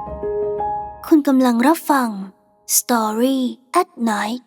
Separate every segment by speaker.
Speaker 1: คุณกำลังรับฟัง Story at Night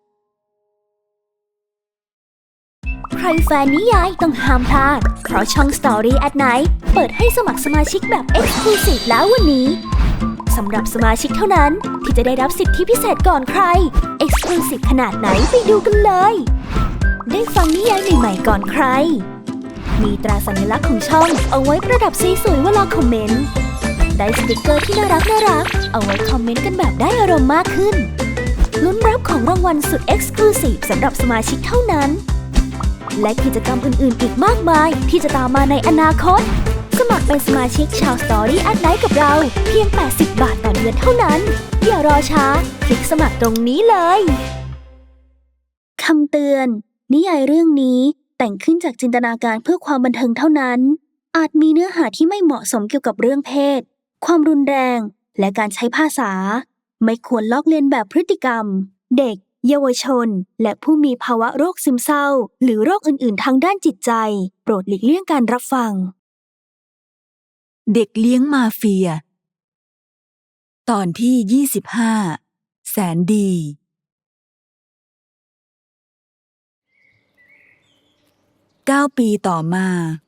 Speaker 1: ใครแฟนนิยายต้องห้ามพลาดเพราะช่อง Story at Night เปิดให้สมัครสมาชิกแบบ Exclusive แล้ววันนี้สำหรับสมาชิกเท่านั้นที่จะได้รับสิทธิพิเศษก่อนใคร Exclusive ขนาดไหนไปดูกันเลยได้ฟังนิยายใหม่ๆก่อนใครมีตราสัญลักษณ์ของช่องเอาไว้ประดับสวยๆเวลาคอมเมนต์ได้สติกเกอร์ที่น่ารักเอาไว้คอมเมนต์กันแบบได้อารมณ์มากขึ้นลุ้นรับของรางวัลสุด Exclusive สำหรับสมาชิกเท่านั้นและกิจกรรมอื่นๆอีกมากมายที่จะตามมาในอนาคตสมัครเป็นสมาชิกชาว Story at Night กับเราเพียง80 บาทต่อเดือนเท่านั้นอย่ารอช้าคลิกสมัครตรงนี้เลยคำเตือนนิยายเรื่องนี้แต่งขึ้นจากจินตนาการเพื่อความบันเทิงเท่านั้นอาจมีเนื้อหาที่ไม่เหมาะสมเกี่ยวกับเรื่องเพศความรุนแรงและการใช้ภาษาไม่ควรลอกเลียนแบบพฤติกรรมเด็กเยาวชนและผู้มีภาวะโรคซึมเศร้าหรือโรคอื่นๆทางด้านจิตใจโปรดหลีกเลี่ยงการรับฟัง
Speaker 2: เด็กเลี้ยงมาเฟียตอนที่25แสนดี9 ปีต่อมา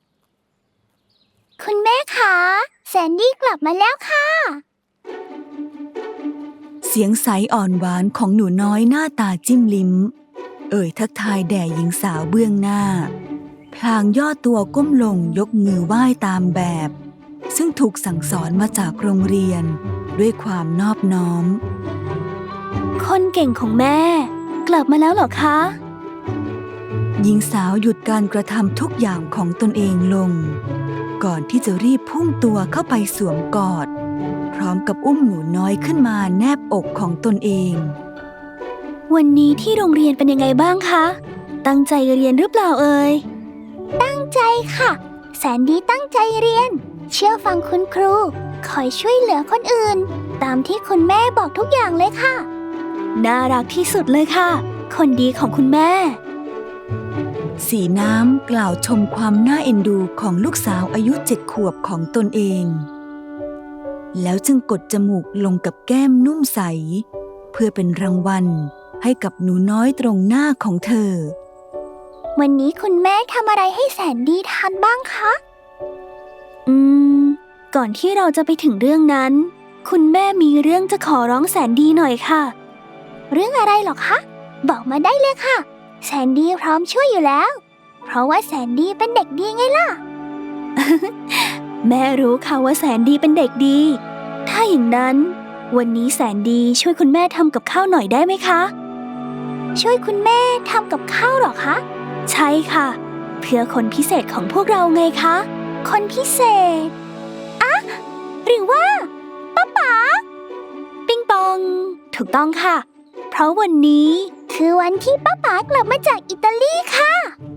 Speaker 1: คุณแม่คะแสนดี้กลับมาแล้วค่ะ
Speaker 2: เสียงใสอ่อนหวานของหนูน้อยหน้าตาจิ้มลิ้มทักทายแด่หญิงสาวเบื้องหน้าพลางย่อตัวก้มลงยกมือไหว้ตามแบบซึ่งถูกสั่งสอนมาจากโรงเรียนด้วยความนอบน้อม
Speaker 1: คนเก่งของแม่กลับมาแล้วเหรอคะ
Speaker 2: หญิงสาวหยุดการกระทำทุกอย่างของตนเองลงก่อนที่จะรีบพุ่งตัวเข้าไปสวมกอดพร้อมกับอุ้มหนูน้อยขึ้นมาแนบอกของตนเอง
Speaker 1: วันนี้ที่โรงเรียนเป็นยังไงบ้างคะตั้งใจเรียนหรือเปล่าเอ่ยตั้งใจค่ะแสนดีตั้งใจเรียนเชื่อฟังคุณครูคอยช่วยเหลือคนอื่นตามที่คุณแม่บอกทุกอย่างเลยค่ะน่ารักที่สุดเลยค่ะคนดีของคุณแม่
Speaker 2: สีน้ำกล่าวชมความน่าเอ็นดูของลูกสาวอายุ7 ขวบของตนเองแล้วจึงกดจมูกลงกับแก้มนุ่มใสเพื่อเป็นรางวัลให้กับหนูน้อยตรงหน้าของเธอ
Speaker 1: วันนี้คุณแม่ทำอะไรให้แสนดีทานบ้างคะก่อนที่เราจะไปถึงเรื่องนั้นคุณแม่มีเรื่องจะขอร้องแสนดีหน่อยค่ะเรื่องอะไรหรอคะบอกมาได้เลยค่ะแสนดีพร้อมช่วยอยู่แล้วเพราะว่าแสนดีเป็นเด็กดีไงล่ะ แม่รู้ค่ะว่าแสนดีเป็นเด็กดีถ้าอย่างนั้นวันนี้แสนดีช่วยคุณแม่ทำกับข้าวหน่อยได้ไหมคะช่วยคุณแม่ทำกับข้าวหรอคะใช่ค่ะเพื่อคนพิเศษของพวกเราไงคะคนพิเศษอะหรือว่าป๊าป๋าปิงปองถูกต้องค่ะเพราะวันนี้คือวันที่ป๊าป๋ากลับมาจากอิตาลีค่ะ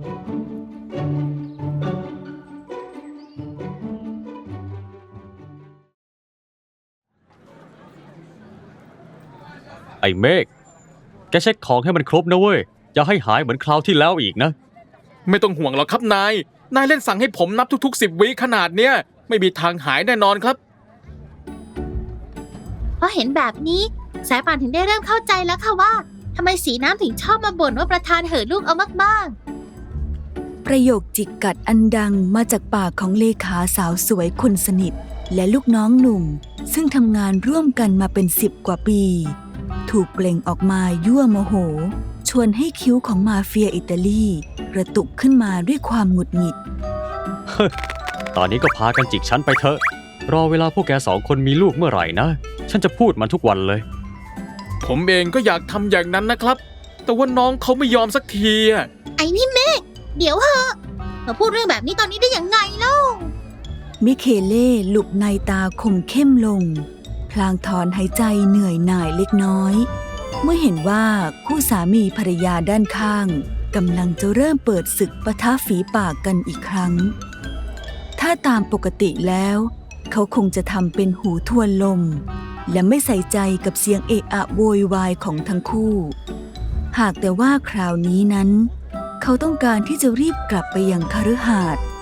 Speaker 3: ไอ้เมฆแกเช็คของให้มันครบนะเว้ยอย่าให้หายเหมือนคราวที่แล้วอีกนะ
Speaker 4: ไม่ต้องห่วงหรอกครับนายเล่นสั่งให้ผมนับทุกๆ10 วิขนาดเนี้ยไม่มีทางหายแน่นอนครับ
Speaker 5: เพราะเห็นแบบนี้สายป่านถึงได้เริ่มเข้าใจแล้วค่ะว่าทำไมสีน้ำถึงชอบมาบ่นว่าประธานเห่อลูกเอามาก
Speaker 2: ๆประโยคจิกกัดอันดังมาจากปากของเลขาสาวสวยคนสนิทและลูกน้องหนุ่มซึ่งทำงานร่วมกันมาเป็น10 กว่าปีถูกเปล่งออกมายั่วโมโหชวนให้คิ้วของมาเฟียอิตาลีกระตุกขึ้นมาด้วยความหงุดหงิด
Speaker 3: ตอนนี้ก็พากันจิกฉันไปเถอะรอเวลาพวกแก2 คนมีลูกเมื่อไหร่นะฉันจะพูดมันทุกวันเลย
Speaker 4: ผมเองก็อยากทำอย่างนั้นนะครับแต่ว่าน้องเขาไม่ยอมสักที
Speaker 5: ไอ้นี่เมฆเดี๋ยวเหอะมาพูดเรื่องแบบนี้ตอนนี้ได้ยังไงเล่า
Speaker 2: มิเคเล่หลุบในตาคมเข้มลงพลางถอนหายใจเหนื่อยหน่ายเล็กน้อยเมื่อเห็นว่าคู่สามีภรรยาด้านข้างกำลังจะเริ่มเปิดศึกปะทะฝีปากกันอีกครั้งถ้าตามปกติแล้วเขาคงจะทำเป็นหูทวนลมและไม่ใส่ใจกับเสียงเอะอะโวยวายของทั้งคู่หากแต่ว่าคราวนี้นั้นเขาต้องการที่จะรีบกลับไปยังคฤหาสน์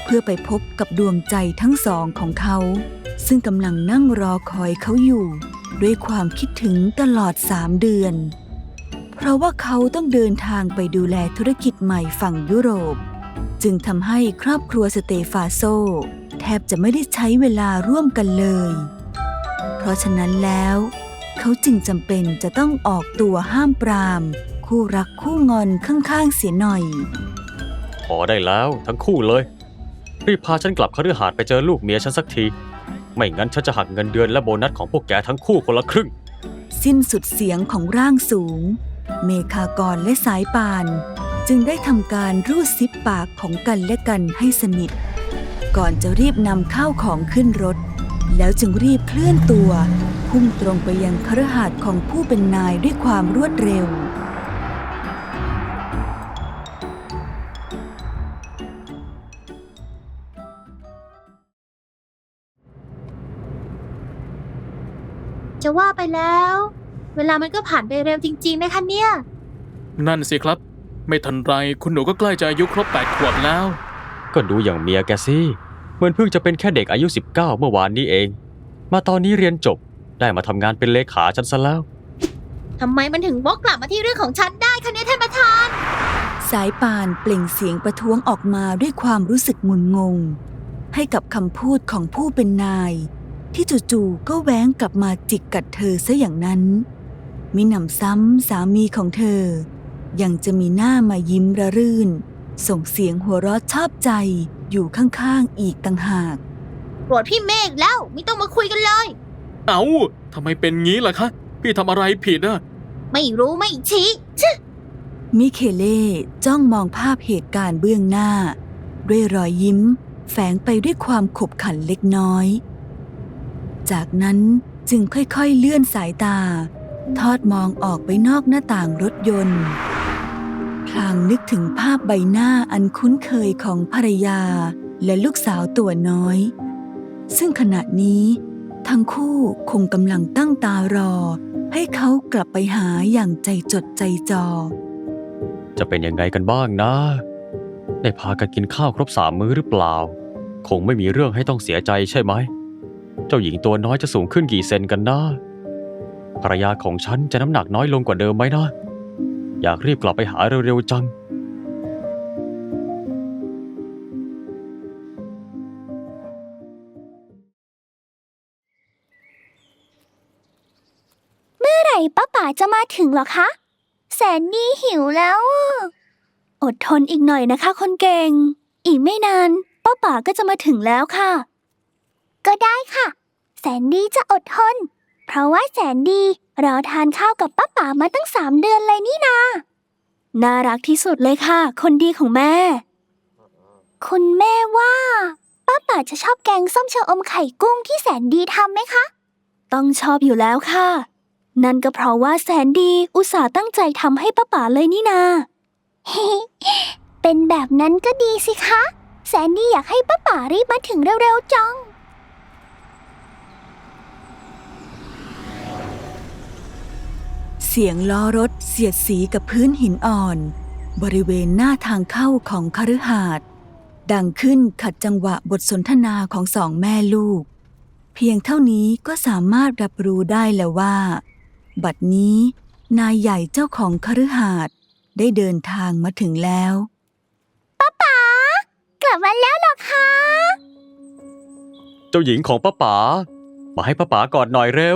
Speaker 2: เพื่อไปพบกับดวงใจทั้งสองของเขา ซึ่งกำลังนั่งรอคอยเขาอยู่ด้วยความคิดถึงตลอด3 เดือนเพราะว่าเขาต้องเดินทางไปดูแลธุรกิจใหม่ฝั่งยุโรปจึงทำให้ครอบครัวสเตฟาโซแทบจะไม่ได้ใช้เวลาร่วมกันเลยเพราะฉะนั้นแล้วเขาจึงจำเป็นจะต้องออกตัวห้ามปรามคู่รักคู่งอนข้างๆเสียหน่อย
Speaker 3: พอได้แล้วทั้งคู่เลยรีบพาฉันกลับคฤหาสน์ไปเจอลูกเมียฉันสักทีไม่งั้นฉันจะหักเงินเดือนและโบนัสของพวกแกทั้งคู่คนละครึ่ง
Speaker 2: สิ้นสุดเสียงของร่างสูงเมฆากรและสายป่านจึงได้ทำการรูดซิปปากของกันและกันให้สนิทก่อนจะรีบนำข้าวของขึ้นรถแล้วจึงรีบเคลื่อนตัวพุ่งตรงไปยังคฤหาสน์ของผู้เป็นนายด้วยความรวดเร็ว
Speaker 5: จะว่าไปแล้ว เวลามันก็ผ่านไปเร็วจริงๆนะคะเนี่ย
Speaker 4: นั่นสิครับ ไม่ทันไรคุณหนูก็ใกล้จะอายุครบ8 ขวบแล้ว
Speaker 3: ก็ดูอย่างเมียแกสิเหมือนเพิ่งจะเป็นแค่เด็กอายุ19เมื่อวานนี้เองมาตอนนี้เรียนจบได้มาทำงานเป็นเลขาฉันซะแล้ว
Speaker 5: ทำไมมันถึงวกกลับมาที่เรื่องของฉันได้คะเนี่ยท่านประธาน
Speaker 2: สายป่านเปล่งเสียงประท้วงออกมาด้วยความรู้สึกงุนงงให้กับคำพูดของผู้เป็นนายที่จู่ๆก็แว้งกลับมาจิกกัดเธอซะอย่างนั้นมิหนำซ้ำสามีของเธอยังจะมีหน้ามายิ้มระรื่นส่งเสียงหัวเราะชอบใจอยู่ข้างๆอีกต่างหาก
Speaker 5: โกรธพี่เมฆแล้วไม่ต้องมาคุยกันเลย
Speaker 4: เอ้าทำไมเป็นงี้ล่ะคะพี่ทำอะไรผิดอะ
Speaker 5: ไม่รู้ไม่ชี้
Speaker 2: มิเคเล่จ้องมองภาพเหตุการณ์เบื้องหน้าด้วยรอยยิ้มแฝงไปด้วยความขบขันเล็กน้อยจากนั้นจึงค่อยๆเลื่อนสายตาทอดมองออกไปนอกหน้าต่างรถยนต์พลางนึกถึงภาพใบหน้าอันคุ้นเคยของภรรยาและลูกสาวตัวน้อยซึ่งขณะนี้ทั้งคู่คงกำลังตั้งตารอให้เขากลับไปหาอย่างใจจดใจจ่อ
Speaker 3: จะเป็นยังไงกันบ้างนะได้พากันกินข้าวครบ3 มื้อหรือเปล่าคงไม่มีเรื่องให้ต้องเสียใจใช่ไหมเจ้าหญิงตัวน้อยจะสูงขึ้นกี่เซนกันนะภรรยาของฉันจะน้ำหนักน้อยลงกว่าเดิมไหมนะอยากรีบกลับไปหาเร็วๆจัง
Speaker 1: เมื่อไหร่ป้าป๋าจะมาถึงหรอคะแสนดีหิวแล้วอดทนอีกหน่อยนะคะคนเก่งอีกไม่นานป้าป๋าก็จะมาถึงแล้วค่ะก็ได้ค่ะแสนดีจะอดทนเพราะว่าแสนดีรอทานข้าวกับป้าป๋ามาตั้ง3 เดือนเลยนี่นาน่ารักที่สุดเลยค่ะคนดีของแม่คุณแม่ว่าป้าป๋าจะชอบแกงส้มชะอมไข่กุ้งที่แสนดีทำไหมคะต้องชอบอยู่แล้วค่ะนั่นก็เพราะว่าแสนดีอุตส่าห์ตั้งใจทำให้ป้าป๋าเลยนี่นา เป็นแบบนั้นก็ดีสิคะแสนดีอยากให้ป้าป๋ารีบมาถึงเร็วๆจัง
Speaker 2: เสียงล้อรถเสียดสีกับพื้นหินอ่อนบริเวณหน้าทางเข้าของคฤหาสน์ดังขึ้นขัดจังหวะบทสนทนาของ2 แม่ลูกเพียงเท่านี้ก็สามารถรับรู้ได้แล้วว่าบัดนี้นายใหญ่เจ้าของคฤหาสน์ได้เดินทางมาถึงแล้ว
Speaker 1: ป้าป๋ากลับมาแล้วเหรอคะ
Speaker 3: เจ้าหญิงของป้าป๋ามาให้ป้าป๋ากอดหน่อยเร็ว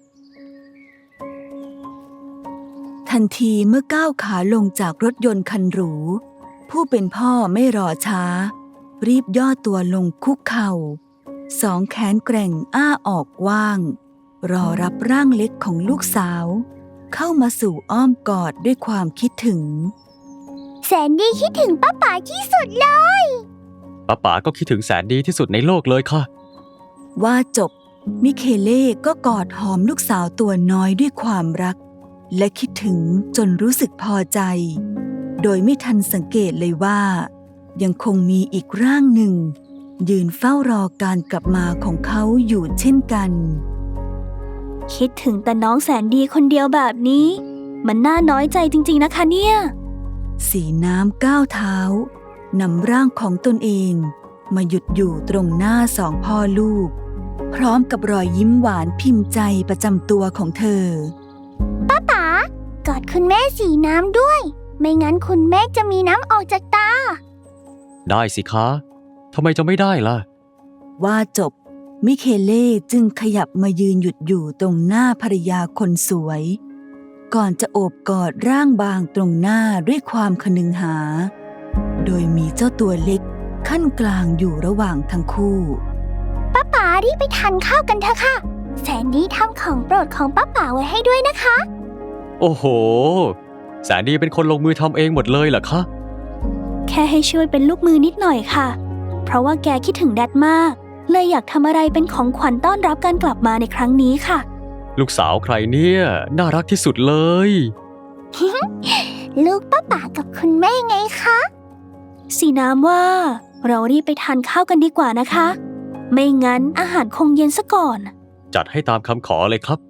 Speaker 2: ทันทีเมื่อก้าวขาลงจากรถยนต์คันหรูผู้เป็นพ่อไม่รอช้ารีบย่อตัวลงคุกเข่า2 แขนแกร่งอ้าออกกว้างรอรับร่างเล็กของลูกสาวเข้ามาสู่อ้อมกอดด้วยความคิดถึง
Speaker 1: แสนดีคิดถึงป้าป๋าที่สุดเลย
Speaker 3: ป้าป๋าก็คิดถึงแสนดีที่สุดในโลกเลยค่ะ
Speaker 2: ว่าจบมิเคเล่ก็กอดหอมลูกสาวตัวน้อยด้วยความรักและคิดถึงจนรู้สึกพอใจโดยไม่ทันสังเกตเลยว่ายังคงมีอีกร่างหนึ่งยืนเฝ้ารอการกลับมาของเขาอยู่เช่นกัน
Speaker 1: คิดถึงแต่น้องแสนดีคนเดียวแบบนี้มันน่าน้อยใจจริงๆนะคะเนี่ย
Speaker 2: สีน้ำก้าวเท้านำร่างของตนเองมาหยุดอยู่ตรงหน้าสองพ่อลูก พร้อมกับรอยยิ้มหวานพิมพ์ใจประจำตัวของเธอ
Speaker 1: ป๋ากอดคุณแม่สีน้ำด้วย ไม่งั้นคุณแม่จะมีน้ำออกจากตา
Speaker 3: ได้สิคะทำไมจะไม่ได้ล่ะ
Speaker 2: ว่าจบมิเคเล่จึงขยับมายืนหยุดอยู่ตรงหน้าภรรยาคนสวย ก่อนจะโอบกอดร่างบางตรงหน้าด้วยความคนึงหา โดยมีเจ้าตัวเล็กขั้นกลางอยู่ระหว่างทั้งคู่
Speaker 1: ป๋ารีบไปทานข้าวกันเถอะค่ะ แสนดีทำของโปรดของป้าป๋าไว้ให้ด้วยนะคะ
Speaker 3: โอ้โห แสนดีเป็นคนลงมือทำเองหมดเลยเหรอคะ
Speaker 1: แค่ให้ช่วยเป็นลูกมือนิดหน่อยค่ะ เพราะว่าแกคิดถึงแดดมาก เลยอยากทำอะไรเป็นของขวัญต้อนรับการกลับมาในครั้งนี้ค่ะ
Speaker 3: ลูกสาวใครเนี่ยน่ารักที่สุดเลย
Speaker 1: ลูกป้าป๋ากับคุณแม่ไงคะสีน้ำว่าเรารีบไปทานข้าวกันดีกว่านะคะ ไม่งั้นอาหารคงเย็นซะก่อน
Speaker 3: จัดให้ตามคำขอเลยครับ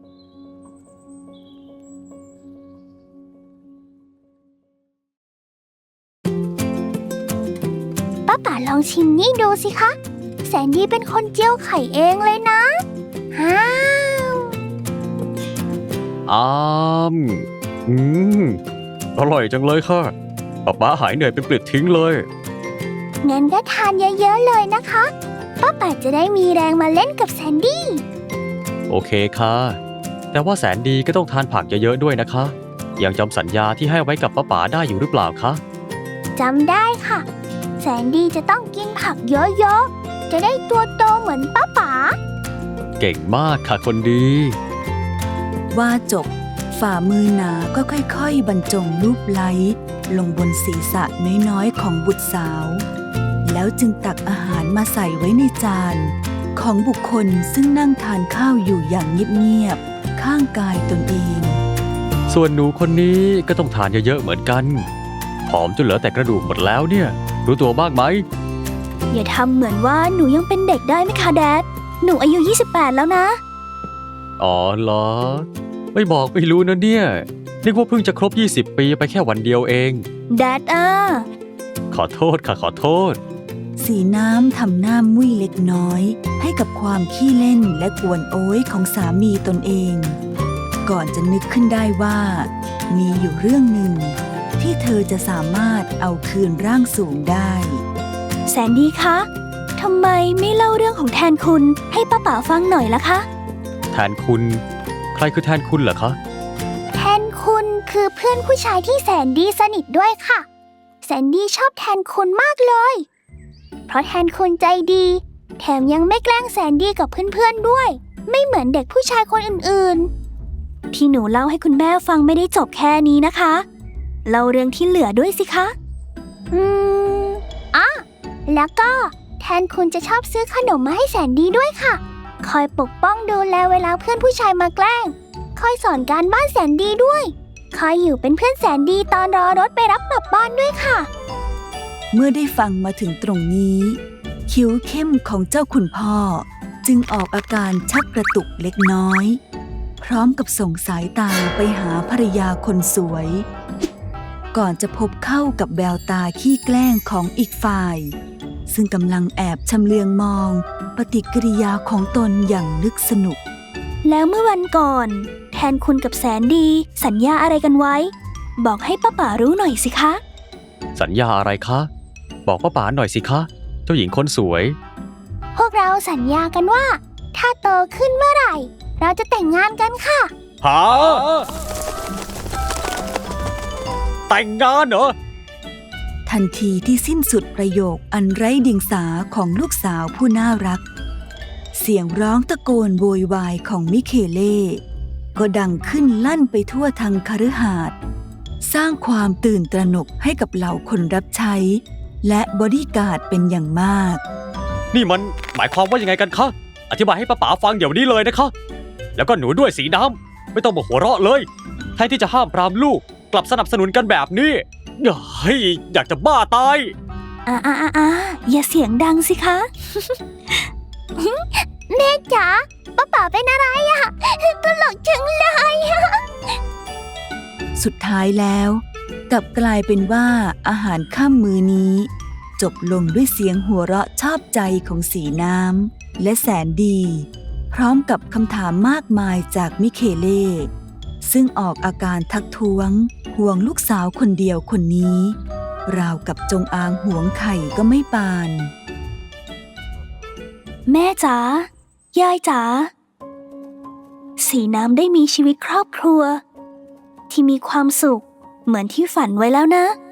Speaker 1: ป้าป๋าลองชิมนี่ดูสิคะ แสนดีเป็นคนเจียวไข่เองเลยนะอ้าว
Speaker 3: อ้ามอืมอร่อยจังเลยค่ะป๊าหายเหนื่อยเป็นปลิดทิ้งเลย
Speaker 1: งั้นก็ทานเยอะๆเลยนะคะป้าป๋าจะได้มีแรงมาเล่นกับแสนดี้
Speaker 3: โอเคค่ะ แต่ว่าแสนดีก็ต้องทานผักเยอะๆด้วยนะคะ ยังจำสัญญาที่ให้ไว้กับป๊าได้อยู่หรือเปล่าคะ
Speaker 1: จำได้ค่ะ แสนดีจะต้องกินผักเยอะๆ จะได้ตัวโตเหมือนป้าป๋า
Speaker 3: เก่งมากค่ะคนดี
Speaker 2: ว่าจบฝ่ามือหนาก็ค่อยๆบรรจงลูบไล้ลงบนศีรษะน้อยๆของบุตรสาว แล้วจึงตักอาหารมาใส่ไว้ในจานของบุคคลซึ่งนั่งทานข้าวอยู่อย่างเงียบๆข้างกายตนเอง
Speaker 3: ส่วนหนูคนนี้ก็ต้องทานเยอะๆเหมือนกันผอมจนเหลือแต่กระดูกหมดแล้วเนี่ย รู้ตัวบ้างไหม
Speaker 1: อย่าทำเหมือนว่าหนูยังเป็นเด็กได้ไหมคะแดด หนูอายุ 28 แล้วนะ
Speaker 3: อ๋อเหรอ ไม่บอกไม่รู้นะเนี่ยนึกว่าเพิ่งจะครบ 20 ปีไปแค่วันเดียวเอง
Speaker 1: แดด
Speaker 3: ขอโทษค่ะขอโทษ
Speaker 2: สีน้ำทำหน้ามุ้ยเล็กน้อยให้กับความขี้เล่นและกวนโอ้ยของสามีตนเอง ก่อนจะนึกขึ้นได้ว่า มีอยู่เรื่องหนึ่งที่เธอจะสามารถเอาคืนร่างสูงได้
Speaker 1: แสนดีคะทำไมไม่เล่าเรื่องของแทนคุณให้ป้าป๋าฟังหน่อยล่ะคะ
Speaker 3: แทนคุณ ใครคือแทนคุณเหรอคะ
Speaker 1: แทนคุณคือเพื่อนผู้ชายที่แสนดีสนิทด้วยค่ะ แสนดีชอบแทนคุณมากเลย เพราะแทนคุณใจดี แถมยังไม่แกล้งแสนดีกับเพื่อนๆด้วย ไม่เหมือนเด็กผู้ชายคนอื่นๆ ที่หนูเล่าให้คุณแม่ฟังไม่ได้จบแค่นี้นะคะเล่าเรื่องที่เหลือด้วยสิคะอ่ะแล้วก็แทนคุณจะชอบซื้อขนมมาให้แสนดีด้วยค่ะ คอยปกป้องดูแลเวลาเพื่อนผู้ชายมาแกล้ง คอยสอนการบ้านแสนดีด้วย คอยอยู่เป็นเพื่อนแสนดีตอนรอรถไปรับกลับบ้านด้วยค่ะ
Speaker 2: เมื่อได้ฟังมาถึงตรงนี้ คิ้วเข้มของเจ้าคุณพ่อจึงออกอาการชักกระตุกเล็กน้อย พร้อมกับส่งสายตาไปหาภรรยาคนสวย ก่อนจะพบเข้ากับแววตาขี้แกล้งของอีกฝ่าย ซึ่งกำลังแอบชำเลืองมองปฏิกิริยาของตนอย่างนึกสนุก
Speaker 1: แล้วเมื่อวันก่อน แทนคุณกับแสนดีสัญญาอะไรกันไว้ บอกให้ป้าป๋ารู้หน่อยสิคะ
Speaker 3: สัญญาอะไรคะ บอกป้าหน่อยสิคะ เจ้าหญิงคนสวย
Speaker 1: พวกเราสัญญากันว่า ถ้าโตขึ้นเมื่อไหร่ เราจะแต่งงานกันค่ะ
Speaker 3: หา แต่งงานเหรอ
Speaker 2: ทันทีที่สิ้นสุดประโยคอันไร้เดียงสาของลูกสาวผู้น่ารัก เสียงร้องตะโกนโวยวายของมิเคเล่ก็ดังขึ้นลั่นไปทั่วทางคฤหาสน์สร้างความตื่นตระหนกให้กับเหล่าคนรับใช้ และบอดี้การ์ดเป็นอย่างมาก
Speaker 3: นี่มันหมายความว่ายังไงกันคะ อธิบายให้ป้าฟังเดี๋ยวนี้เลยนะคะ แล้วก็หนูด้วยสีน้ำไม่ต้องมาหัวเราะเลยแทนที่จะห้ามปรามลูกกลับสนับสนุนกันแบบนี้เฮ้ยอยากจะบ้าตาย
Speaker 1: อย่าเสียงดังสิคะ แม่จ๋าป้าป๋าเป็นอะไรอะตลกจังเลยอะ
Speaker 2: สุดท้ายแล้วกลับกลายเป็นว่าอาหารค่ำมื้อนี้จบลงด้วยเสียงหัวเราะชอบใจของสีน้ำและแสนดี พร้อมกับคำถามมากมายจากมิเคเล่ซึ่งออกอาการทักท้วงห่วงลูกสาวคนเดียวคนนี้ ราวกับจงอางห่วงไข่ก็ไม่ปาน
Speaker 1: แม่จ๋ายายจ๋าสีน้ำได้มีชีวิตครอบครัว ที่มีความสุขเหมือนที่ฝันไว้แล้วนะ